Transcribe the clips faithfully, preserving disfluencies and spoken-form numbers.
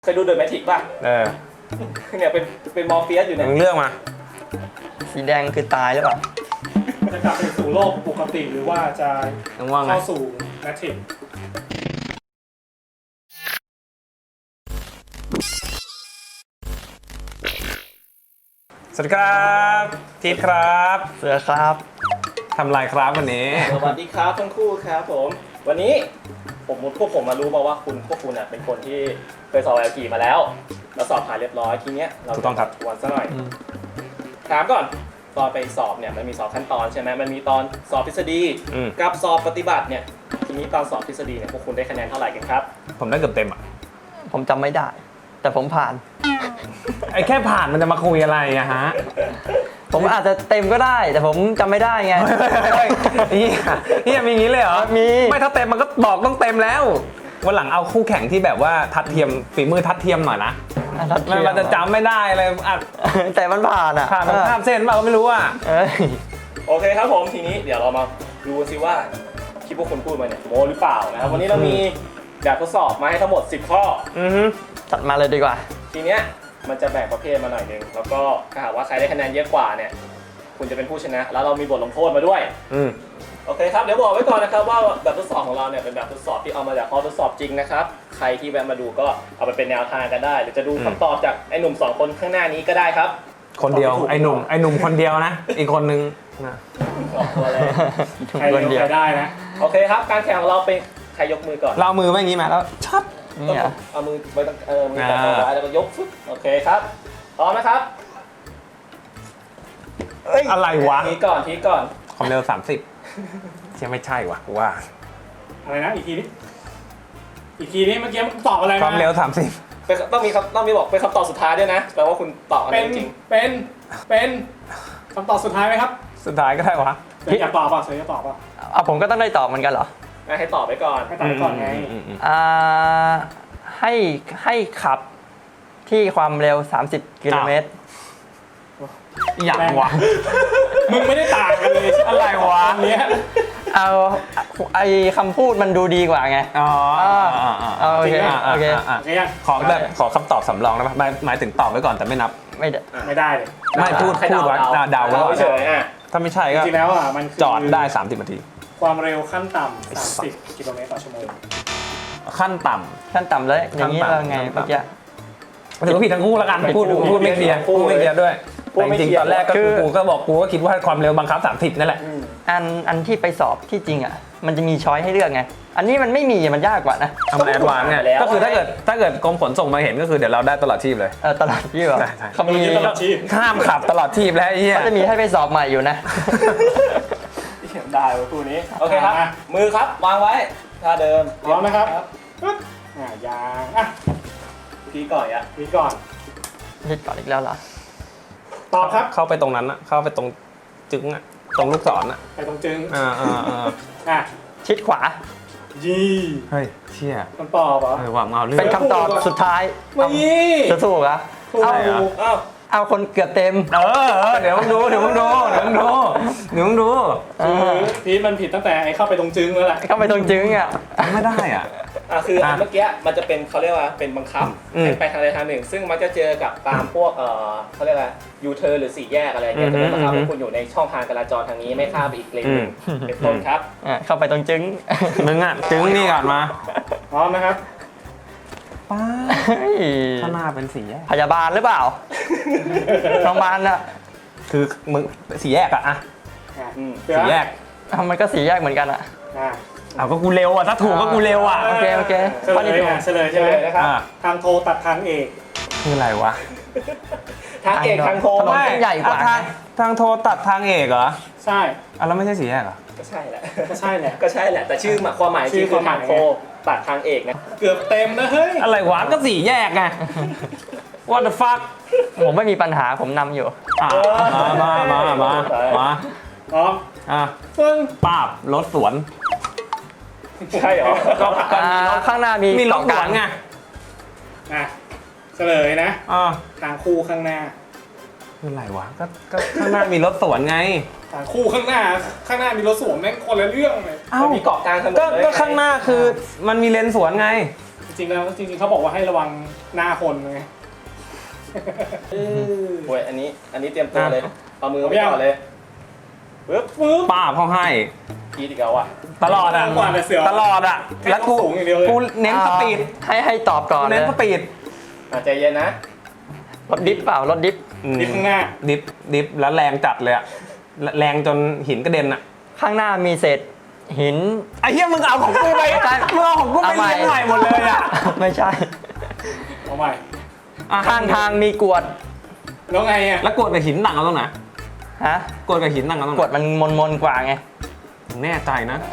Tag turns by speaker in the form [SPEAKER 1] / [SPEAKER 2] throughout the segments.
[SPEAKER 1] เคยดูเดอะแมทริกป่ะ
[SPEAKER 2] เออ
[SPEAKER 1] เนี่ยเป็นเป็นมอร์เฟียสอยู่เนี่ย
[SPEAKER 2] มึงเลือกมา
[SPEAKER 3] สีแดงคือตายหรือเปล่า
[SPEAKER 4] จะกลับไปสู่โลกปกติหรือว่าจะ
[SPEAKER 2] มึงว่าไง
[SPEAKER 4] เข้าสู่แมทริกซ์
[SPEAKER 2] สวัสดีครับทีทครับ
[SPEAKER 3] เสือครับ
[SPEAKER 2] ทำไรครับวันนี้
[SPEAKER 1] สวัสดีครับทั้งคู่ครับผมวันนี้ผมพวกผมมารู้มาว่าคุณพวกคุณอ่ะเป็นคนที่เคยสอบ แอล จี มาแล้วแล้วสอบผ่านเรียบร้อยทีเนี้ยเรา
[SPEAKER 2] ถูกต้องครับ
[SPEAKER 1] ทวนซะหน่อยถามก่อนตอนไปสอบเนี่ยมันมีสอบขั้นตอนใช่ไหมมันมีตอนสอบทฤษฎี
[SPEAKER 2] อืม
[SPEAKER 1] กับสอบปฏิบัติเนี่ยทีนี้ตอนสอบทฤษฎีเนี่ยพวกคุณได้คะแนนเท่าไหร่กันครับ
[SPEAKER 2] ผมได้เกือบเต็มอ่ะ
[SPEAKER 3] ผมจำไม่ได้ แต่ผมผ่าน
[SPEAKER 2] ไอ้แค่ผ่านมันจะมาคุยอะไรอะฮะ
[SPEAKER 3] ผมอาจจะเต็มก็ได้ แต่ผมจำไม่ได้ไง
[SPEAKER 2] เฮ้ยเฮียเฮียมีอย่างนี้เลยเหรอ
[SPEAKER 3] มี
[SPEAKER 2] ไม่ถ้าเต็มมันก็บอกต้องเต็มแล้ววันหลังเอาคู่แข่งที่แบบว่าทัดเทียมฝีมือทัดเทียมหน่อยนะ
[SPEAKER 3] อ่ะทัดเที
[SPEAKER 2] มัน
[SPEAKER 3] ยม
[SPEAKER 2] มันจะจำไม่ได้เลยอ่ะ
[SPEAKER 3] แต่มันผ่านอ่ะ
[SPEAKER 2] ผ่านมันข้ามเส้นเปล่าก็ไม่รู้อ่ะ
[SPEAKER 3] เอ้ย
[SPEAKER 1] โอเคครับผมทีนี้เดี๋ยวเรามาดูกันสิว่าที่พวกคุณพูดมาเนี่ยโมหรือเปล่านะครับวันนี้เรามีแบบทดสอบมาให้ทั้งหมดสิบข้อ
[SPEAKER 2] อือฮึ
[SPEAKER 3] จัดมาเลยดีกว่า
[SPEAKER 1] ทีเนี้ยมันจะแบ่งประเภทมาหน่อยนึงแล้วก็ถ้าหากว่าใครได้คะแนนเยอะกว่าเนี่ยคุณจะเป็นผู้ชนะ แล้วเรามีบทลงโทษมาด้วย
[SPEAKER 2] อืม
[SPEAKER 1] โอเคครับเดี๋ยวบอกไว้ก่อนนะครับว่าแบบทดสอบของเราเนี่ยเป็นแบบทดสอบที่เอามาจากข้อทดสอบจริงนะครับใครที่แวะมาดูก็เอาไปเป็นแนวทางกันได้ หรือจะดูคำตอบจากไอ้หนุ่มสองคนข้างหน้านี้ก็ได้ครับ
[SPEAKER 2] คนเดียวไอ้หนุ่มไอ้หนุ่มคนเดียวนะ อีกคนนึงนะ
[SPEAKER 1] ออกตัวเลย
[SPEAKER 4] ใครเร็วใครได้นะ
[SPEAKER 1] โอเคครับการแข่งของเราเป็นใครยกมือก่อน
[SPEAKER 2] เราเอามือไว้อย่างนี้มาแล้วชับ
[SPEAKER 3] นี่อ่ะ
[SPEAKER 1] เอามือไว้ตั้งเออมือจับเอาไว้แล้วก็ยกฟึ๊บโอเคครับพร้อมนะครับ
[SPEAKER 2] อะไรวะ
[SPEAKER 1] ทีก่อนทีก่อน
[SPEAKER 2] ความเร็วสามสิบเชื่อไม่ใช่วะกูว่า
[SPEAKER 4] อะไรนะอีกทีนี้อีกทีนี้เมื่อกี้ตอบอะไร
[SPEAKER 2] ความ
[SPEAKER 4] มา
[SPEAKER 2] เร็วสามสิบ
[SPEAKER 1] เป็นต้องมีคำต้องมีบอกเป็นคำตอบสุดท้ายด้วยนะแปลว่าคุณตอบอัน
[SPEAKER 4] เป็
[SPEAKER 1] นี้
[SPEAKER 4] น
[SPEAKER 1] จริง
[SPEAKER 4] เป็นเป็นคำตอบสุดท้ายไหมครับ
[SPEAKER 2] สุดท้ายก็ได้วะ
[SPEAKER 4] เสืออยากตอบป่ะเสืออยากตอบป่ะ
[SPEAKER 3] เอาผมก็ต้องได้ตอบเหมือนกันเหรอ
[SPEAKER 1] ๆให้ตอบไปก่อน
[SPEAKER 4] ให้ตอบก่อนไง
[SPEAKER 2] อืมอืม
[SPEAKER 3] อ่า ให้ให้ขับที่ความเร็ว สามสิบ กิโลเมตร
[SPEAKER 2] อย่างวะ
[SPEAKER 4] มึงไม่ได้ต่างกันเลย
[SPEAKER 2] อะไรวะ
[SPEAKER 4] อันเนี้ย
[SPEAKER 3] เอาไอคำพูดมันดูดีกว่าไง
[SPEAKER 2] อ๋อ
[SPEAKER 3] เอาโอเค
[SPEAKER 2] อ่า
[SPEAKER 3] โอเค
[SPEAKER 2] อ่า
[SPEAKER 4] โอเคยัง
[SPEAKER 2] ขอแบบขอคำตอบสำรองได้ปะหมายหมายถึงตอบไว้ก่อนแต่ไม่นับ
[SPEAKER 3] ไม่ได้
[SPEAKER 4] ไม่ได้เลย
[SPEAKER 2] ไม่พูด
[SPEAKER 1] ให้
[SPEAKER 2] พูดไว้เดาไว้ก่อน
[SPEAKER 1] เฉยๆอ่ะ
[SPEAKER 2] ถ้าไม่ใช่
[SPEAKER 4] จ
[SPEAKER 2] ก็
[SPEAKER 4] ริงๆแล้วอ่ะมันคือ
[SPEAKER 2] จอดได้สามสิบนาที
[SPEAKER 4] ความเร็วขั้นต่ำสามสิบกิโลเมตรต่อชั่วโมง
[SPEAKER 2] ขั้นต่
[SPEAKER 3] ขั้นต่ำเลยอย่างนี้
[SPEAKER 2] ขั้นต่ำ
[SPEAKER 3] ว่าไง
[SPEAKER 2] ขั้นต่ำ
[SPEAKER 3] เมื่อกี้
[SPEAKER 2] ำถือว่าผิดทั้งคู่แล้วกันพูดพูดไม่เคลียร์พูดไม่เคลียร์ด้วยแต่จริงๆตอนแรกก็คือกูก็บอกกูก็คิดว่าความเร็วบังคับสามสิบนั่นแหละ
[SPEAKER 1] อืม
[SPEAKER 3] อันอันที่ไปสอบที่จริงอ่ะ มันจะมีช้อยให้เลือกไง อันนี้มันไม่มีมันยากกว่านะ
[SPEAKER 2] ทำมันแอดวานซ์ไงก็คือถ้าเกิดถ้าเกิดกรมขนส่งมาเห็นก็คือเดี๋ยวเราได้ตลอดชีพเลย
[SPEAKER 3] เออตลอดที่แบบ
[SPEAKER 2] ใช่ใช่
[SPEAKER 3] เขามี
[SPEAKER 4] ตลอดชีพ
[SPEAKER 2] ห้ามขับตลอดชีพแล้วไอ้เหี้ย
[SPEAKER 3] เขาจะมีให้ไปสอบใหม่อยู่นะ
[SPEAKER 1] ได้ไว้คู่นี้โอเคครับมือครับวางไว้ท่าเดิม
[SPEAKER 4] พร้อมนะครับปึ๊บอ่ะยางอ่ะ
[SPEAKER 1] ทีก่อนอ่ะ
[SPEAKER 4] นี่ก่อน
[SPEAKER 3] คิดก่อนอีกแล้วเหรอ
[SPEAKER 4] ตอบครับ
[SPEAKER 2] เข้าไปตรงนั้นอะเข้าไปตรงจึงอะตรงลูกศรอะ
[SPEAKER 4] ไปตรงจึง
[SPEAKER 2] อ่าอ่าอ่า
[SPEAKER 4] อ่ะ
[SPEAKER 3] ชิดขวา
[SPEAKER 4] ยี
[SPEAKER 2] เฮ้ยเชี่ย
[SPEAKER 4] คำตอบเหรอ
[SPEAKER 2] เออว่ามาเอาเรื่อง
[SPEAKER 3] เป็นคำตอบสุดท้าย
[SPEAKER 4] ไม่
[SPEAKER 3] จะถูกเหรอ
[SPEAKER 4] ถูก
[SPEAKER 3] เอา
[SPEAKER 1] อ้าว
[SPEAKER 3] เอาคนเกือบเต็ม
[SPEAKER 2] เออเออเดี๋ยวมึงดูเดี๋ยวมึงดูเดี๋ยวมึงดูเดี๋ยวมึงดู
[SPEAKER 4] คือพีทมันผิดตั้งแต่ไอ้เข้าไปตรงจึงแล้วแหละ
[SPEAKER 3] เข้าไปตรงจึงอ่ะ
[SPEAKER 2] ทำไม่ได้อ่ะ
[SPEAKER 1] อ่ะคืออัน
[SPEAKER 2] อ่ะ
[SPEAKER 1] เมื่อกี้มันจะเป็นเขาเรียกว่าเป็นบังคับ
[SPEAKER 2] อืม
[SPEAKER 1] ให้ไปทางใดทางหนึ่ง ซึ่งมันจะเจอกับตามพวกเออเขาเรียกว่ายูเทิร์นหรือสี่แยกอะไรเงี้ยจะเป็นบังคับให้คุณอยู่ในช่องทางจราจรทางนี้ไม่ข้ามไปอีกเลนหนึ่งเป็นต้นครับ
[SPEAKER 3] อ่ะเข้าไปตรงจึง
[SPEAKER 2] มึงอ่ะจึงนี่ก่อนมา
[SPEAKER 4] พร้อมนะครับ
[SPEAKER 2] ป้า
[SPEAKER 3] เฮ้ย
[SPEAKER 2] ข้างหน้าเป็นสีแยก
[SPEAKER 3] พยาบาลหรือเปล่า โรงพยาบาลอ่ะ
[SPEAKER 2] คือมึงสีแยกอะอะ
[SPEAKER 4] อ่ะ
[SPEAKER 1] อืม
[SPEAKER 4] เสือ
[SPEAKER 2] สีแยก
[SPEAKER 3] อ้าวมันก็สีแยกเหมือนกันอ่ะ
[SPEAKER 4] อ่ะ
[SPEAKER 2] เอาก็กูเร็วอ่ะถ้าถูกก็กูเร็วอ่ะ
[SPEAKER 3] โอเคโอเค
[SPEAKER 4] เฉลยอ่ะเฉลย
[SPEAKER 1] เฉ
[SPEAKER 4] ใช่ไห
[SPEAKER 1] ล
[SPEAKER 4] ม
[SPEAKER 1] ยนะครับ
[SPEAKER 2] อ่ะ
[SPEAKER 4] ทางโทรตัดทางเอก
[SPEAKER 2] คืออะไรวะ
[SPEAKER 1] ทางเอกทางโทร
[SPEAKER 3] ถนน
[SPEAKER 1] ไม่
[SPEAKER 3] เส้นใหญ่กว่า
[SPEAKER 2] อ่ะทางทางโทรตัดทางเอกเหรอ
[SPEAKER 4] ใช่
[SPEAKER 2] อ่ะแล้วไม่ใช่สีแยกเหรอ
[SPEAKER 1] ก็ใช่แหละ
[SPEAKER 4] ก็ใช่แหละ
[SPEAKER 1] ก็ใช่แหละ แต่ชื่อหมายความหมายจ
[SPEAKER 4] ชื่
[SPEAKER 1] ริ
[SPEAKER 4] อง
[SPEAKER 1] คือทาง
[SPEAKER 4] ความหมาย
[SPEAKER 1] โทรตัดทางเอกนะ
[SPEAKER 4] เกือบเต็มนะเฮ้ย
[SPEAKER 2] อะไรวะก็สีแยกไง What the fuck
[SPEAKER 3] ผมไม่มีปัญหาผมนำอยู่
[SPEAKER 2] อ่ะมามามามามา
[SPEAKER 4] พร้อม
[SPEAKER 2] อ่ะ
[SPEAKER 4] ปึ้ง
[SPEAKER 2] ป้าบรถสวน
[SPEAKER 1] ใช่เหรอ
[SPEAKER 2] ก็
[SPEAKER 3] อ่าข้างหน้ามี
[SPEAKER 2] มีรถ
[SPEAKER 3] เกาะ
[SPEAKER 2] ส
[SPEAKER 3] ก
[SPEAKER 2] ว
[SPEAKER 3] ลาน ง
[SPEAKER 2] ไง
[SPEAKER 4] อ่ะเฉลยนะ
[SPEAKER 2] อ่ะ
[SPEAKER 4] ทางคู่ข้างหน้า
[SPEAKER 2] คืออะไรวะก็ก็ข้างหน้ามีรถสวนไง
[SPEAKER 4] ทางคู่ข้างหน้า ข้างหน้ามีรถสวนแม่งคนละเรื่องเลย
[SPEAKER 2] เอ้า
[SPEAKER 1] มันมีเกาะกลางถนน
[SPEAKER 2] ก็
[SPEAKER 1] เลย
[SPEAKER 2] ก็ข้างหน้าคือมันมีเลนสวนไง
[SPEAKER 4] จริงๆแล้วจริงๆเขาบอกว่าให้ระวังหน้าคนไง
[SPEAKER 1] โอ้ยอันนี้อันนี้เตรียมตัวเลย
[SPEAKER 2] อ่ะ
[SPEAKER 1] เอามือไปก่อนเลยปึ๊บปึ๊บ
[SPEAKER 2] ป้าบเขาให้
[SPEAKER 1] พีดอีกแล้วอ่ะ
[SPEAKER 2] ตลอดอ่ะ
[SPEAKER 4] กว่าแต่เสือ
[SPEAKER 2] ตลอดอ่ะแล้วกู
[SPEAKER 4] สูงอย่างเดียวเลย
[SPEAKER 2] กูเน้นสปีด
[SPEAKER 3] ให้ให้ตอบก่อนเล
[SPEAKER 2] เน้
[SPEAKER 3] ย
[SPEAKER 2] นสปีด
[SPEAKER 1] อ่ะใจเย็นนะ
[SPEAKER 3] รถดิฟเปล่ารถดิฟ
[SPEAKER 4] ดิฟข้างหน้า
[SPEAKER 2] ดิฟดิฟแล้วแรงจัดเลยอะแรงจนหินกระเด็นอะ
[SPEAKER 3] ข้างหน้ามีเศษหิน
[SPEAKER 2] ไอ้เหี้ยมึงเอาของกูไป
[SPEAKER 3] ใช่
[SPEAKER 2] มึงเอาของกูไป
[SPEAKER 3] เอาใหม่
[SPEAKER 2] เลี้ยงใหม่หมดเลยอะ
[SPEAKER 3] ไม่ใช่
[SPEAKER 4] เอาใหม่
[SPEAKER 2] อ่ะ
[SPEAKER 3] ข้างทางมีกรวด
[SPEAKER 4] แล้วไงอ่ะ
[SPEAKER 2] แล้วกดกับหินต่างกันตรงไหน
[SPEAKER 3] ฮะ
[SPEAKER 2] กดกับหินต่างกันตรงไห
[SPEAKER 3] กรวน ดมันมนมนๆกว่าไง
[SPEAKER 2] แน่ใจนะ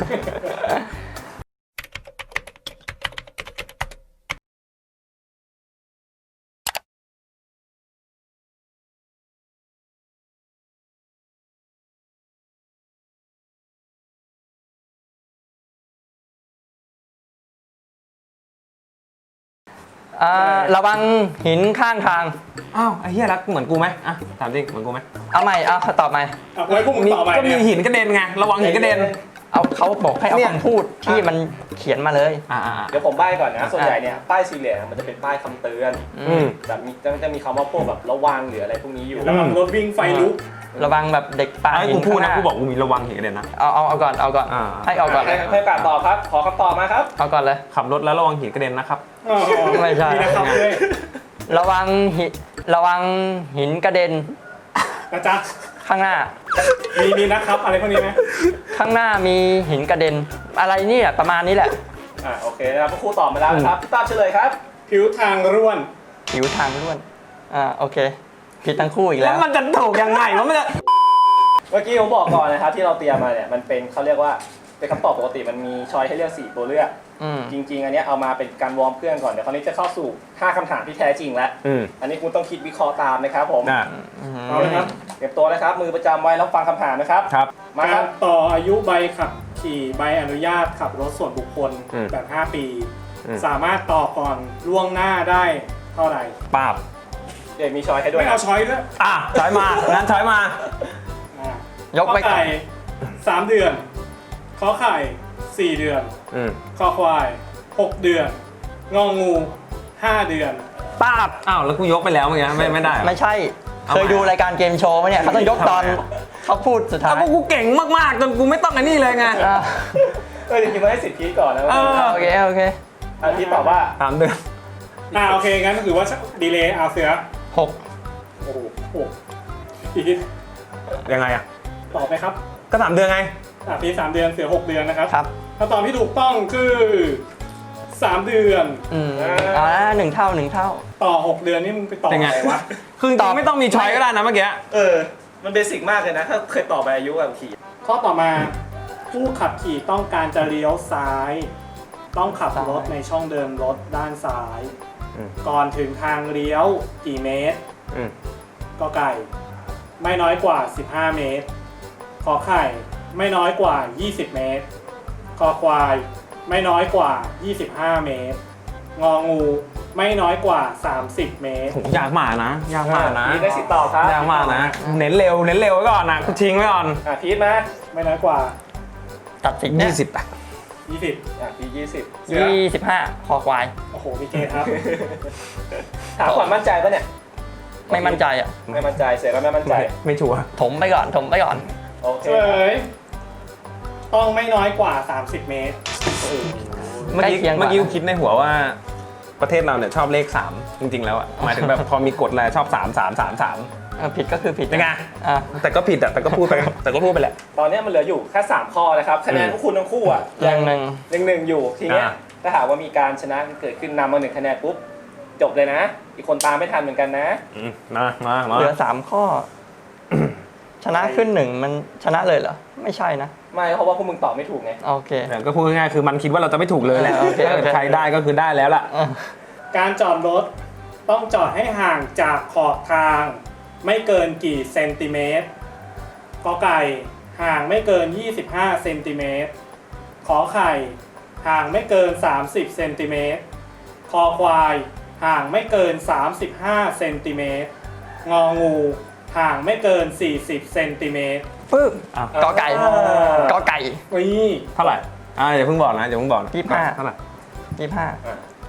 [SPEAKER 3] อ่าระวังหินข้างทาง
[SPEAKER 2] อ้าวไอ้เหี้ยรักเหมือนกูไหมอ่ะถามจริงเหมือนกูไหม
[SPEAKER 3] เอาใหม่เอาตอบใหม่
[SPEAKER 4] เอาไว้พวกมึง
[SPEAKER 2] มี
[SPEAKER 4] ต่อไป
[SPEAKER 2] ก็มี
[SPEAKER 4] เนี่ย
[SPEAKER 2] หินกระเด็นไงระวังหินกระเด็น
[SPEAKER 3] เอาเขาบอกให้เอา
[SPEAKER 2] เนี่ย
[SPEAKER 3] คำพูดที่มันเขียนมาเลย
[SPEAKER 2] อ่าอ่า
[SPEAKER 1] เดี๋ยวผมใบ้ก่อนนะ ส่วนใหญ่เนี่ยป้ายสี่เหลี่ยมมันจะเป็นป้ายคำเตือน
[SPEAKER 2] อืม
[SPEAKER 1] แบบมีจะจะมีคำว่าพวกแบบระวังหรืออะไรพวกนี้อยู่
[SPEAKER 4] ระวังรถวิ่งไฟลุก
[SPEAKER 3] ระวังแบบเด็กปลา
[SPEAKER 2] ให้
[SPEAKER 3] หิ
[SPEAKER 2] กู
[SPEAKER 3] น
[SPEAKER 2] พูด
[SPEAKER 3] ข้างห
[SPEAKER 2] นะ
[SPEAKER 3] น้า
[SPEAKER 2] กูบอกกูมีระวังหินกระเด็นนะ
[SPEAKER 3] เอาเอาเอาก่อนเอาก่อน
[SPEAKER 2] อ่า
[SPEAKER 3] ให้เอาก่อน
[SPEAKER 1] ให้ให้โอกาสตอบครับ ขอคำตอบมาครับ
[SPEAKER 3] เอาก่อนเลย
[SPEAKER 2] ขับรถแล้วระวังหินกระเด็นนะครับ
[SPEAKER 4] อ๋อ
[SPEAKER 3] ไม่ใช่
[SPEAKER 4] มีนะครับด้วย
[SPEAKER 3] ระวังหิระวังหินกระเด็น
[SPEAKER 4] นะจ๊ะ
[SPEAKER 3] ข้างหน้า
[SPEAKER 4] มีมีนะครับอะไรพวกนี้ไหม
[SPEAKER 3] ข้างหน้ามีหินกระเด็น อะไรนี่แหละประมาณนี้แหละ
[SPEAKER 1] อ่าโอเคนะครับครูตอบมาแล้วนะครับพี่ตามเฉลยครับ
[SPEAKER 4] ผิวทางร่วน
[SPEAKER 3] ผิวทางล้วนอ่าโอเคผิดทั้งคู่อีก
[SPEAKER 2] แล้
[SPEAKER 3] แล้ว ว
[SPEAKER 2] มันจะถูกยังไงวะมันจะ
[SPEAKER 1] เมื่อกี้ผมบอกก่อนนะครับที่เราเตรียมมาเนี่ยมันเป็นเขาเรียกว่าเป็นคำตอบปกติมันมีช้อยให้เลือกสี่ตัวเลือก
[SPEAKER 3] อืม
[SPEAKER 1] จริง ๆ อันเนี้ยเอามาเป็นการวอร์มเครื่องก่อนเดี๋ยวคราวนี้จะเข้าสู่ห้าคำถามที่แท้จริงแล้ว
[SPEAKER 2] อืม
[SPEAKER 1] อันนี้คุณต้องคิดวิเคราะห์ตามนะครับผม
[SPEAKER 2] อ่า
[SPEAKER 4] เอาเลยครับ
[SPEAKER 1] เตรียมตัวนะครับมือประจำไว้แล้วฟังคำถามนะครับ
[SPEAKER 2] ครับ
[SPEAKER 1] มาคั
[SPEAKER 4] การร
[SPEAKER 1] บ
[SPEAKER 4] ต่ออายุใบขับขี่ใบอนุญาตขับรถส่วนบุคคล
[SPEAKER 2] อืม
[SPEAKER 4] แบบ ห้า ปี
[SPEAKER 2] อืม
[SPEAKER 4] สามารถต่อก่อนล่วงหน้าได้เท่าไหร่
[SPEAKER 2] ปาบ
[SPEAKER 1] เดี๋ยวมีช้อยให้ด้วย
[SPEAKER 4] ไม่เอาช้อยด้วย
[SPEAKER 2] อ่ะถอยมางั้นถอยมา
[SPEAKER 4] อ่ะ
[SPEAKER 3] ยกไป
[SPEAKER 4] ขอ
[SPEAKER 3] ก่อน
[SPEAKER 4] ไก่สามเดือนขอไข่สี่เดือน
[SPEAKER 2] อืม
[SPEAKER 4] คอควายหกเดือน งองูห้าเดือน
[SPEAKER 2] ปาบอ้าวแล้วกูยกไปแล้วเมื่อกี้ไม่ไม่ได้เหรอ
[SPEAKER 3] ไม่ใช่
[SPEAKER 2] เอา
[SPEAKER 3] เคย
[SPEAKER 2] ใหม่
[SPEAKER 3] ดูรายการเกมโชว์ไหมเนี่ยเขาต้องยกตอน
[SPEAKER 2] ทำไมอะ
[SPEAKER 3] เขาพูดสุดท้า
[SPEAKER 2] อ้าวย พวกกูเก่งมากๆจนกูไม่ต้องอันนี้เลยไง
[SPEAKER 3] อ่า
[SPEAKER 1] เออจริงๆมาให้สิทธิ์พีทก่อนนะ
[SPEAKER 2] เออ
[SPEAKER 3] โอเคโอเค
[SPEAKER 1] อันพีทตอบว่า
[SPEAKER 2] สามเดือน
[SPEAKER 4] อ่าโอเค งั้นถือว่าดีเลย์เอาเสือ
[SPEAKER 3] หก
[SPEAKER 4] โอ้โหโอ้โหพีท
[SPEAKER 2] ยังไงอ่ะ
[SPEAKER 4] ตอบไหมครับ
[SPEAKER 2] ก็สามเดือนไง
[SPEAKER 4] อ่ะพีทสามเดือนเสือหกเดือนนะครับ
[SPEAKER 3] ครับ
[SPEAKER 4] คำตอบที่ถูกต้องคือสามเดือน
[SPEAKER 3] อืมเอาละหนึ่งเท่าหนึ่งเท่า
[SPEAKER 4] ต่อหกเดือนนี่มึงไปต่อ
[SPEAKER 2] เป็นไง
[SPEAKER 4] อะไรวะ
[SPEAKER 2] คือจ
[SPEAKER 3] ต
[SPEAKER 2] ริ
[SPEAKER 3] อบ
[SPEAKER 2] งๆไม่ต้องมีช้อยก็ได้นะเมื่อกี้
[SPEAKER 1] เออ มันเบสิกมากเลยนะ ถ้าเคยตอบไปอายุแบบขี่
[SPEAKER 4] ข้อต่อมาผู้ขับขี่ต้องการจะเลี้ยวซ้าย ต้องขับรถในช่องเดินรถด้านซ้าย
[SPEAKER 2] อืม
[SPEAKER 4] ก่อนถึงทางเลี้ยวกี่เมตร
[SPEAKER 2] อืม
[SPEAKER 4] ก็ไก่ ไม่น้อยกว่า สิบห้า เมตร ขอไข่ ไม่น้อยกว่า ยี่สิบ เมตร คอควาย ไม่น้อยกว่า ยี่สิบห้า เมตร งองู ไม่น้อยกว่า สามสิบ เมตร
[SPEAKER 2] โหยากมากนะยากมากนะ
[SPEAKER 1] พีทได้สิทธิ์ตอบครับ
[SPEAKER 2] ยากมากนะ เน้นเร็วเน้นเร็วไว้ก่อนนะกูทิ้งไว้ก่อน
[SPEAKER 1] อ่ะพีทมา
[SPEAKER 4] ไม่น้อยกว่า
[SPEAKER 3] ตัดสินเนี่ย
[SPEAKER 2] ยี่สิบอ่ะ
[SPEAKER 4] ยี่สิบ
[SPEAKER 1] อ่ะพีทยี่สิบ
[SPEAKER 4] เสือ
[SPEAKER 3] ยี่สิบห้าคอควาย
[SPEAKER 4] โอ้โหพี่เกครับ
[SPEAKER 1] ถามความมั่นใจปะเนี่ย
[SPEAKER 3] ไม่มั่นใจอ่ะ
[SPEAKER 1] ไม่มั่นใจเสียก็ไม่มั่นใจ
[SPEAKER 2] ไม่ไม่ชัวร์
[SPEAKER 3] ถมไปก่อนถมไปก่อน
[SPEAKER 1] โอเค
[SPEAKER 4] เฉลยต้องไม่น้อยกว่า สามสิบ เมตร
[SPEAKER 2] เมื่อกี้
[SPEAKER 3] ใกล้เคียงกว่า
[SPEAKER 2] เมื่อกี้กูคิดในหัวว่าประเทศเราเนี่ยชอบเลขสามจริงๆแล้วอ่ะหมายถึงแบบพอมีกฎอะไรชอบสามสามสามสาม
[SPEAKER 3] เออผิดก็คือผิด
[SPEAKER 2] เป็นไง
[SPEAKER 3] อ่ะ
[SPEAKER 2] แต่ก็ผิดอ่ะแต่ก็พูดไปแต่ก็พูดไปแหละ
[SPEAKER 1] ตอนนี้มันเหลืออยู่แค่สามข้อนะครับ คะแนน
[SPEAKER 2] อืม
[SPEAKER 1] พวกคุณทั้งคู่อ่ะ
[SPEAKER 3] ยังหนึ่ง
[SPEAKER 1] หนึ่งหนึ่งอยู่ ทีเนี้ย
[SPEAKER 2] อ่า
[SPEAKER 1] ถ้าหากว่ามีการชนะเกิดขึ้นนำมาหนึ่งคะแนนปุ๊บ จบเลยนะ อีกคนตามไม่ทันเหมือนกันนะ
[SPEAKER 2] อืมมามามา
[SPEAKER 3] เหลือสามข้อ ชนะขึ้นหนึ่งมันชนะเลยเหรอ ไม่ใช่นะ
[SPEAKER 1] ไม่เพราะว่าพวกมึงตอบไม่ถูกไง
[SPEAKER 3] โอเค
[SPEAKER 2] แต่ก็พูดง่ายๆคือมันคิดว่าเราจะไม่ถูกเลยแหละ
[SPEAKER 3] โอเคโอเค
[SPEAKER 2] ใครได้ก็คือได้แล้วล่ะ
[SPEAKER 3] อ่ะ
[SPEAKER 4] การจอดรถต้องจอดให้ห่างจากขอบทาง ไม่เกินกี่เซนติเมตรกอไก่ห่างไม่เกิน ยี่สิบห้า เซนติเมตร ขอไข่ห่างไม่เกิน สามสิบ เซนติเมตร คอควายห่างไม่เกิน สามสิบห้า เซนติเมตร งองูห่างไม่เกิน สี่สิบ เซนติเมตร
[SPEAKER 3] ปึ๊บ
[SPEAKER 2] อ่ะ
[SPEAKER 3] กอไก่
[SPEAKER 1] อ่า
[SPEAKER 3] กอไก่
[SPEAKER 4] นี่
[SPEAKER 2] เท่าไหร่อ่าอย่าเพิ่งบอกนะอย่าเพิ่งบอกนะ
[SPEAKER 3] ยี่สิบห้า
[SPEAKER 2] เท่าไหร่
[SPEAKER 3] ยี่สิบห้า
[SPEAKER 1] อ่ะ
[SPEAKER 2] อ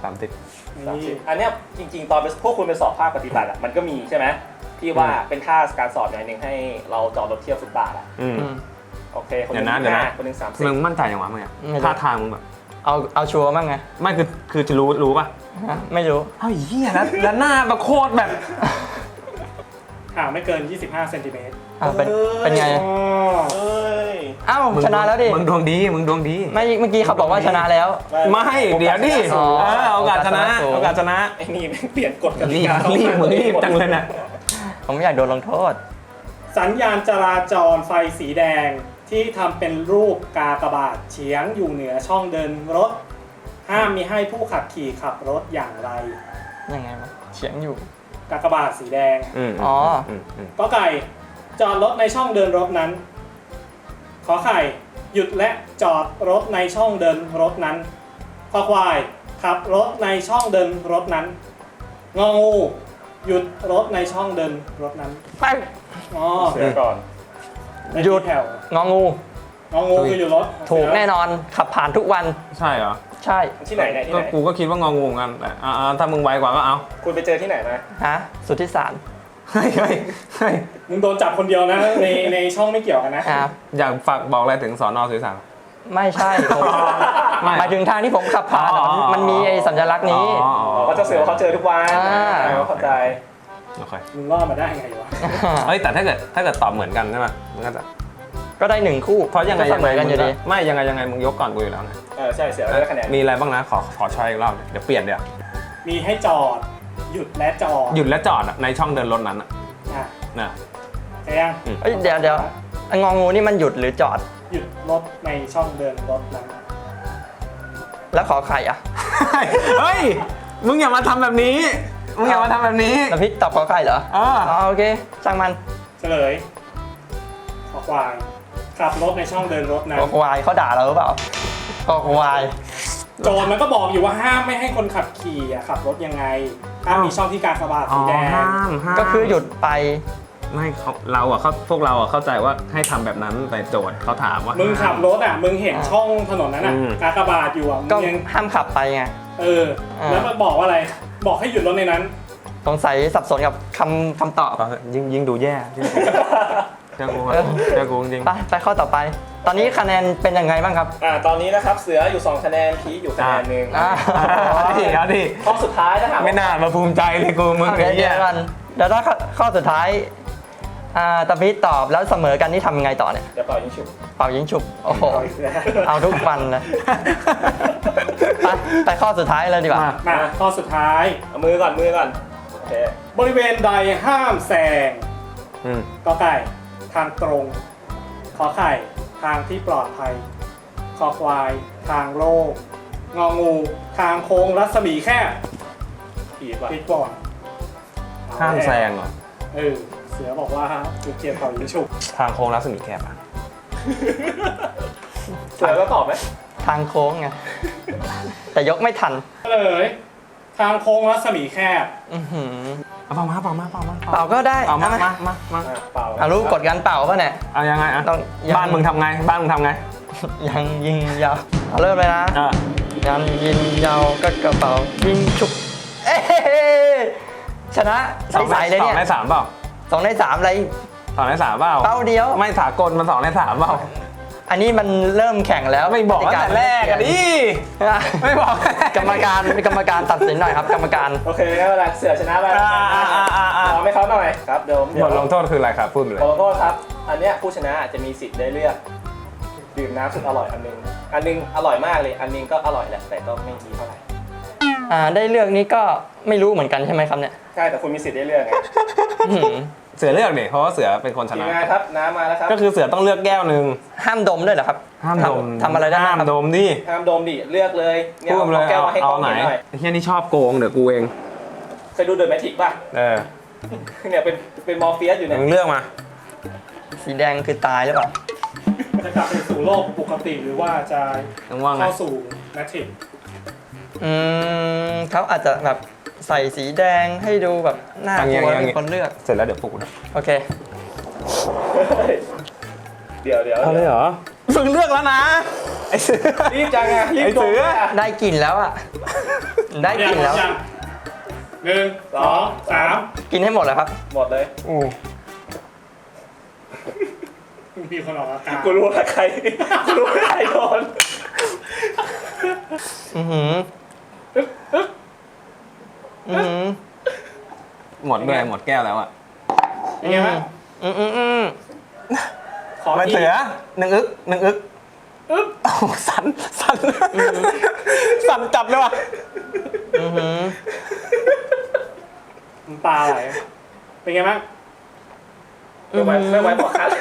[SPEAKER 2] สามสิบ
[SPEAKER 1] สามสิ
[SPEAKER 4] นี่
[SPEAKER 1] บอันเนี้ยจริงๆ ตอนไปพวกคุณไปสอบภาคปฏิบัติอะมันก็มีใช่ไหมที่ว่า
[SPEAKER 2] อืม
[SPEAKER 1] เป็นท่าการสอบอย่างหนึ่งให้เราจอดรถเทียบฟุตบาทอะ
[SPEAKER 2] อืม
[SPEAKER 3] อืม
[SPEAKER 1] โอเคคนห
[SPEAKER 2] เดี๋
[SPEAKER 1] นึ
[SPEAKER 2] ยว
[SPEAKER 1] ง
[SPEAKER 2] นะเดี๋ยวนะ
[SPEAKER 1] ห้าคนหนึงสามสิบ
[SPEAKER 2] มึงมั่นใจอย่างวะมึงอะ
[SPEAKER 3] ไม่รู้
[SPEAKER 2] ท่าทางมึงแบบ
[SPEAKER 3] เอาเอาชัวร์บ้างไง
[SPEAKER 2] ไม่คือคือจะรู้รู้ป่ะ
[SPEAKER 3] ฮะไม่รู้
[SPEAKER 2] เอ้าเหี้ยแล้วแล้วหน้าแบบโคตรแบบ
[SPEAKER 4] ห่างไม่เกิน ยี่สิบห้าเซนติเมตร
[SPEAKER 3] อ่ะเป็นเป็นไง
[SPEAKER 4] อ๋อ
[SPEAKER 1] เอ้ย
[SPEAKER 3] เอ้า
[SPEAKER 2] มึง
[SPEAKER 3] ชนะแล้วดิ
[SPEAKER 2] มึงดวงดีมึงดวงดี
[SPEAKER 3] ไม่เมื่อกี้เขาบอกว่าชนะแล้ว
[SPEAKER 2] ไม่เดี๋ยวดิ
[SPEAKER 3] อ๋อ
[SPEAKER 2] เออโอกาสชนะ
[SPEAKER 3] โอกาสชนะสูง
[SPEAKER 2] โอกาสชนะ
[SPEAKER 1] ไอ้นี่แม่งเปลี่ยนกฎกติ
[SPEAKER 2] รีบ
[SPEAKER 1] กาเข้า
[SPEAKER 2] รีบ
[SPEAKER 1] ข้าง
[SPEAKER 2] มึง
[SPEAKER 1] ตัว
[SPEAKER 2] รี
[SPEAKER 1] เอบ
[SPEAKER 2] จังเลยนะ
[SPEAKER 3] ผมไม่อยากโดนลงโทษ
[SPEAKER 4] สัญญาณจราจรไฟสีแดงที่ทำเป็นรูปกากบาทเฉียงอยู่เหนือช่องเดินรถ ห้ามมีให้ผู้ขับขี่ขับรถอย่างไร
[SPEAKER 3] ยังไงวะเฉียงอยู่
[SPEAKER 4] กากบาทสีแดง
[SPEAKER 2] อืม
[SPEAKER 3] อ๋อ
[SPEAKER 2] อืมอืม
[SPEAKER 4] ก็ไก่จอดรถในช่องเดินรถนั้น ขอไข่หยุดและจอดรถในช่องเดินรถนั้นขอควายขับรถในช่องเดินรถนั้นงองูหยุดรถในช่องเดินรถนั้น
[SPEAKER 3] ไป
[SPEAKER 4] อ๋อ
[SPEAKER 1] เสือก่อน
[SPEAKER 4] ใน
[SPEAKER 3] หยุด
[SPEAKER 4] ที่แถว
[SPEAKER 3] งองู
[SPEAKER 4] งองูคือหยุดรถ
[SPEAKER 3] ถูกแน่นอนขับผ่านทุกวัน
[SPEAKER 2] ใช่เหรอ
[SPEAKER 3] ใช่
[SPEAKER 1] ที่ไหนเนี่ยที่
[SPEAKER 2] ก็
[SPEAKER 1] ไหน
[SPEAKER 2] กูก็คิดว่างองูเหมือนกันแต่อ่าๆถ้ามึงไวกว่าก็เอา
[SPEAKER 1] คุณไปเจอที่ไหนมา
[SPEAKER 3] ฮะสุทธิสาร
[SPEAKER 2] เฮ้ยเฮ้ยเฮ้ย
[SPEAKER 4] มึงโดนจับคนเดียวนะในในช่องไม่เกี่ยวกันนะ
[SPEAKER 3] อ่ะ
[SPEAKER 2] อยากฝากบอกอะไรถึงสอนอสุทธิสาร
[SPEAKER 3] ไม่ใช่ผม
[SPEAKER 2] ไม่
[SPEAKER 3] หมายถึงทางที่ผมขับผ่านอะ
[SPEAKER 2] อ๋อ
[SPEAKER 3] มันมีไอ้สัญลักษณ์นี้
[SPEAKER 2] อ๋อ
[SPEAKER 1] อ๋อเขาจะเสือเขาเจอทุกวัน
[SPEAKER 3] อ่า
[SPEAKER 1] อ่าเข้าใจ
[SPEAKER 2] โอเค
[SPEAKER 4] มึงรอดมาได้ไงวะ
[SPEAKER 2] เฮ้ยแต่ถ้าเกิดถ้าเกิดตอบเหมือนกันใช่ไหมมันก็จะ
[SPEAKER 3] ก็ได้หนึ่งคู่
[SPEAKER 2] เพราะยังไง
[SPEAKER 3] ก็เส
[SPEAKER 2] ยัง
[SPEAKER 3] ม
[SPEAKER 2] ไง
[SPEAKER 3] อกันอยู่ดี
[SPEAKER 2] ไม่ยังไงยังไงมึงยกก่อนกูอยู่แล้วไง
[SPEAKER 1] เออใช่เสือได้คะแนน
[SPEAKER 2] มีอะไรบ้างนะขอขอช้อยอีกรอบเดี๋ยวเปลี่ยนเดี๋ยว
[SPEAKER 4] มีให้จอด หยุดและจอด
[SPEAKER 2] หยุดและจอดอะในช่องเดินรถนั้นอะ
[SPEAKER 4] อ่ะ
[SPEAKER 2] นะ
[SPEAKER 4] ใช่ยัง
[SPEAKER 3] เอ้ยเดี๋ยวเดี๋ยวไอ้งองูนี่มันหยุดหรือจอด
[SPEAKER 4] หยุดรถในช่องเดินรถนั้น
[SPEAKER 3] แล้วขอไข่อ่ะ
[SPEAKER 2] เฮ้ยมึงอย่ามาทำแบบนี้มึงอย่ามาทำแบบนี้
[SPEAKER 3] แล้วพี่ตอบขอไข่เหรอ
[SPEAKER 2] เออ
[SPEAKER 3] อ๋อโอเคช่างมัน
[SPEAKER 4] เฉลยขอควายขับรถในช่องเดินรถนั้น
[SPEAKER 3] ขอควายเขาด่าเราหรือเปล่าขอควาย
[SPEAKER 4] โจรมันก็บอกอยู่ว่าห้ามไม่ให้คนขับขี่อ่ะขับรถยังไงห้ามมีช่องที่กากบาท
[SPEAKER 2] อ๋
[SPEAKER 4] สี
[SPEAKER 2] อ
[SPEAKER 4] แดง
[SPEAKER 2] ห้ามห้าม
[SPEAKER 3] ก็คือหยุดไป
[SPEAKER 2] ไม่เขาเราอะเขาพวกเราอะเข้าใจว่าให้ทำแบบนั้นแต่โจทย์เขาถามว่า
[SPEAKER 4] มึ
[SPEAKER 2] มึ
[SPEAKER 4] งขับรถอ่ะมึงเห็นช่องถนนนั้นอ่ะ
[SPEAKER 2] อืม
[SPEAKER 4] กากบาทอยู่อ่ะมึ
[SPEAKER 3] ก็
[SPEAKER 4] งยัง
[SPEAKER 3] ห้ามขับไปไง
[SPEAKER 4] เออ แล้วมันบอกว่าอะไร บอกให้หยุดรถในนั้น
[SPEAKER 3] สงสัยสับสนกับคำคำตอบ
[SPEAKER 2] ยิ่งยิ่งดูแย่ยิ่งเจ้ากูอะเจ้ากูจริง
[SPEAKER 3] ไปไปข้อต่อไป ตอนนี้คะแนนเป็นยังไงบ้างครับ
[SPEAKER 1] อ่าตอนนี้นะครับเสืออยู่สองคะแนนพีคอยู่คะแนนหนึ่ง
[SPEAKER 3] อ่า
[SPEAKER 2] เอาดิเอาดิ
[SPEAKER 1] ข้อสุดท้ายถ้าหาก
[SPEAKER 2] ไม่น่ามาภูมิใจเลยกูมึง
[SPEAKER 3] เดี๋ยว
[SPEAKER 2] ไอ้
[SPEAKER 3] เดี๋
[SPEAKER 2] เหี้
[SPEAKER 3] ย
[SPEAKER 2] ยว
[SPEAKER 3] กันเดี๋ยวถ้าข้อข้อสุดท้ายอ่าตะพิษตอบแล้วเสมอกันนี่ทำยังไงต่อเนี่ย
[SPEAKER 1] เดี๋ยวเป่ายิงฉุบ
[SPEAKER 3] เป่ายิงฉุบโอ้โห
[SPEAKER 1] เอาอีกแล้ว
[SPEAKER 3] เอาทุกวันนะไปไปข้อสุดท้ายเลยดีกว่า
[SPEAKER 2] มา
[SPEAKER 4] มาข้อสุดท้าย
[SPEAKER 1] เอามือก่อนมือก่อนโอเค
[SPEAKER 4] บริเวณใดห้ามแซง
[SPEAKER 2] อืม
[SPEAKER 4] กอไก่ทางตรง ขอไข่ทางที่ปลอดภัย คอควายทางโล่งงองูทางโค้งรัศมีแคบ
[SPEAKER 1] พีคว่ะ
[SPEAKER 4] ปิดก่อน
[SPEAKER 2] ห้ามแซงเหรอ
[SPEAKER 4] เออเสือบอกว่าจุดเกียร์เป่ายิงฉุบ
[SPEAKER 2] ทางโค้งรัศมีแคบอะ
[SPEAKER 1] เสือก็ตอบไหม
[SPEAKER 3] ทางโค้งไงแต่ยกไม่ทัน
[SPEAKER 4] เลยทางโค้งรัศมีแคบ
[SPEAKER 3] อื้อหือ
[SPEAKER 2] เอาเปล่ามาเปล่ามาเปล่ามา
[SPEAKER 3] เป่าก็ได้
[SPEAKER 2] เอามา
[SPEAKER 3] เอามา
[SPEAKER 2] มามามา
[SPEAKER 1] อ่ะเป่า
[SPEAKER 3] เอารู้กดการเป่าป่ะเนี่ย
[SPEAKER 2] เอายังไงอะ
[SPEAKER 3] ต้องยัง
[SPEAKER 2] บ้านมึงทำไงบ้านมึงทำไง
[SPEAKER 3] ยังยิงยาวเอาเริ่มเลยนะ
[SPEAKER 2] อ่ะ
[SPEAKER 3] ยังยิงยาวก็กระเป๋ายิงฉุบเอ้ยชนะ
[SPEAKER 2] สอง
[SPEAKER 3] ใสๆเลย
[SPEAKER 2] สอ
[SPEAKER 3] เนี่
[SPEAKER 2] ง
[SPEAKER 3] ย
[SPEAKER 2] ในสามเปล่า
[SPEAKER 3] สองในสามอะไร
[SPEAKER 2] สองในสามเปล่า
[SPEAKER 3] เป้าเดียว
[SPEAKER 2] ไม่สากลมันสองในสามเปล่า
[SPEAKER 3] อันนี้มันเริ่มแข่งแล้ว
[SPEAKER 2] ไม่บอกตั้งแต่แรกอะดิไม่บอก
[SPEAKER 3] กรรมการกรรมการตัดสินหน่อยครับ กรรมการ
[SPEAKER 1] โอเคงั้นเวลาเสือชนะไป
[SPEAKER 2] อ่าอ่าอ่าอ่าอ่า
[SPEAKER 1] พร้อมไหมเขาหน่อยครับเดี๋ยวเดี๋
[SPEAKER 2] บ
[SPEAKER 1] ยว
[SPEAKER 2] ทลงโทษคืออะไรครับพูดไปเลย
[SPEAKER 1] บทลงโทษครับ อันเนี้ยผู้ชนะจะมีสิทธิ์ได้เลือกดื่มน้ำสุดอร่อยอันหนึงอันหนึงอร่อยมากเลย อันหนึงก็อร่อยแหละแต่ก็ไม่ดีเท่าไหร่
[SPEAKER 3] อ่าได้เลือกนี้ก็ไม่รู้เหมือนกันใช่ไหมครับเนี่ย
[SPEAKER 1] ใช่แต่คุณมีสิทธิ์ได้เลือกไง
[SPEAKER 3] อื้อหือ
[SPEAKER 2] เสือเลือกดิเพราะว่าเสือเป็นคนช
[SPEAKER 1] ทีม
[SPEAKER 2] นะ
[SPEAKER 1] งานครับน้ำมาแล้วครับ
[SPEAKER 2] ก็คือเสือต้องเลือกแก้วหนึ่ง
[SPEAKER 3] ห้ามดมด้วยเหรอครับ
[SPEAKER 2] ห้ามดม
[SPEAKER 3] ทำทำอะไรได้บ้า
[SPEAKER 2] ห้าง ม
[SPEAKER 3] ครับ
[SPEAKER 2] ดมดิ
[SPEAKER 1] ห้ามดมดิเลือกเลยเนี่ย
[SPEAKER 2] พูด
[SPEAKER 1] เอา
[SPEAKER 2] เลย
[SPEAKER 1] แก้ว
[SPEAKER 2] เอา
[SPEAKER 1] มาให้กล้
[SPEAKER 2] เอา
[SPEAKER 1] อง
[SPEAKER 2] ไหน
[SPEAKER 1] เห็นหน่อย
[SPEAKER 2] ไอ้เฮียนี่ชอบโกงเดี๋ยวกูเอง
[SPEAKER 1] เคยดูเดอะแมทริกป่ะ
[SPEAKER 2] เออ
[SPEAKER 1] เนี่ยเป็นเป็นมอร์เฟียสอยู่เนี่ย
[SPEAKER 2] มึงเลือกมา
[SPEAKER 3] สีแดงคือตายหรือเปล่า
[SPEAKER 4] จะกลับไปสู่โลกปกติหรือว่าจะ
[SPEAKER 2] ต้องว่าไง
[SPEAKER 4] เข้าสู่แมทริกซ์
[SPEAKER 3] อืมเขาอาจจะแบบใส่สีแดงให้ดูแบบน่ากลัวเป็นคนเลือก
[SPEAKER 2] เสร็จแล้วเดี๋ยวปลุกนะ
[SPEAKER 3] โอเค
[SPEAKER 1] เดี๋ยวเดี๋ยว
[SPEAKER 2] เอาเลยเหรอมึงเลือกแล้วนะไอ้เสือ
[SPEAKER 1] รีบจังอะรีบ
[SPEAKER 2] ไอ้
[SPEAKER 1] ด
[SPEAKER 2] เสื
[SPEAKER 1] ม
[SPEAKER 2] อ
[SPEAKER 1] อะ
[SPEAKER 3] ได้กลิ่นแล้วอ่ะได้กลินแล้ว
[SPEAKER 4] ยังหนึ่งสองสาม
[SPEAKER 3] กินให้หมดเลยครับ
[SPEAKER 1] หมดเลย
[SPEAKER 2] อู้
[SPEAKER 4] มีคนออกอาการ
[SPEAKER 1] กูรู้ว่าใครกูรู้ว่าใครโดน
[SPEAKER 3] อือหืออือหือ
[SPEAKER 2] หมดด้วยหมดแก้วแล้วอ่ะ
[SPEAKER 1] เป็นไงบ้าง
[SPEAKER 3] อืมอืมอืม
[SPEAKER 1] ขอ
[SPEAKER 2] มัน
[SPEAKER 1] อี
[SPEAKER 2] เสื
[SPEAKER 1] ก
[SPEAKER 2] อหนึ่งอึกหนึ่งอึก
[SPEAKER 1] อึ๊บ
[SPEAKER 2] โอ้โหสั่นสั่นสั่นจับเลยว่ะ
[SPEAKER 3] อือหือ
[SPEAKER 4] น้ำตาไหลเป็นไงบ้าง
[SPEAKER 1] ไม่ไหวไม่ไหวบอกคัด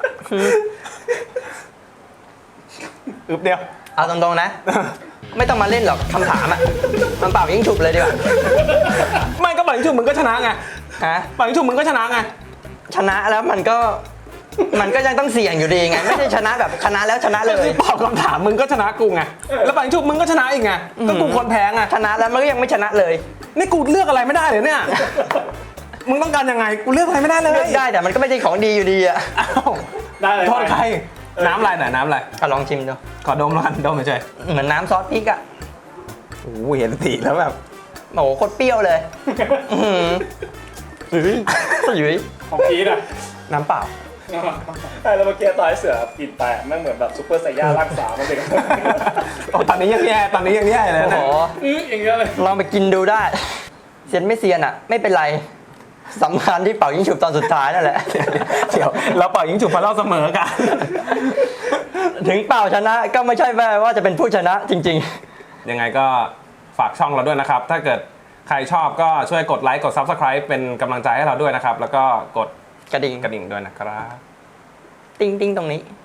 [SPEAKER 2] อึบเดียว
[SPEAKER 3] เอาตรงๆนะ ไม่ต้องมาเล่นหรอกคำถามอ่ะมันเปล่ายิ่งฉุบเลยดีกว่า
[SPEAKER 2] ไม่ก็ปังชุบมึงก็ชนะไง
[SPEAKER 3] ฮะ
[SPEAKER 2] ปังชุบมึงก็ชนะไง
[SPEAKER 3] ชนะแล้วมันก็มันก็ยังต้องเสี่ยงอยู่ดีไง ไม่ได้ชนะแบบชนะแล้วชนะเลย
[SPEAKER 2] ตอบคำถามมึงก็ชนะกูไงแล้วปังชุบมึงก็ชนะอีกไงก็กูคนแพ้ไง
[SPEAKER 3] ชนะแล้วมันก็ยังไม่ชนะเลย
[SPEAKER 2] นี่กูเลือกอะไรไม่ได้เลยเนี่ยมึงต้องการยังไงกูเลือกอะไรไม่ได้เลย
[SPEAKER 3] เลือกได้แต่มันก็ไม่ใช่ของดีอยู่ดีอ่ะ
[SPEAKER 2] อ้าว
[SPEAKER 4] ได้เลย
[SPEAKER 2] โทษใครน้ำอะไรหน่อยน้ำอะไร
[SPEAKER 3] อ่ะลองชิมดู
[SPEAKER 2] ขอดมแล้วกันดมเฉย
[SPEAKER 3] เหมือนน้ำซอสพริกอ่ะ
[SPEAKER 2] ๆโอ้โหเห็นสีแล้วแบบ
[SPEAKER 3] โอ้โหโคตรเปรี้ยวเลยอื้อหือหรือหรือ
[SPEAKER 4] ของพีทอ่ะ
[SPEAKER 2] น้ำเปล่า
[SPEAKER 1] ใช่แล้วเมื่อกี้ตอนให้เสือกินไปแม่งเหมือนแบบซุปเปอร์ไซย่าร่างสาวมันเป็น
[SPEAKER 2] โอ้ตอนนี้ยังแย่ตอนนี้ยังแย่เลย
[SPEAKER 3] โอ้โห
[SPEAKER 2] นะ
[SPEAKER 4] อื้ออย่างเงี้ยเลย
[SPEAKER 3] ลองไปกินดูได้เซียนไม่เซียนอ่ะ ไม่เป็นไรสำคัญที่เป่ายิงฉุบตอนสุดท้ายนั่นแหละ
[SPEAKER 2] เดี๋ยวเราเป่ายิงจุบมาเล่าเสมอกัน
[SPEAKER 3] ถึงเป่าชนะก็ไม่ใช่แปลว่าจะเป็นผู้ชนะจริง
[SPEAKER 2] ยังไงก็ฝากช่องเราด้วยนะครับ ถ้าเกิดใครชอบก็ช่วยกดไลค์กด ซับสไครบ์ เป็นกำลังใจให้เราด้วยนะครับ แล้วก็กด
[SPEAKER 3] ๆ กระดิ่ง
[SPEAKER 2] กระดิ่งด้วยนะครับ
[SPEAKER 3] ติ้งติ้งตรงนี้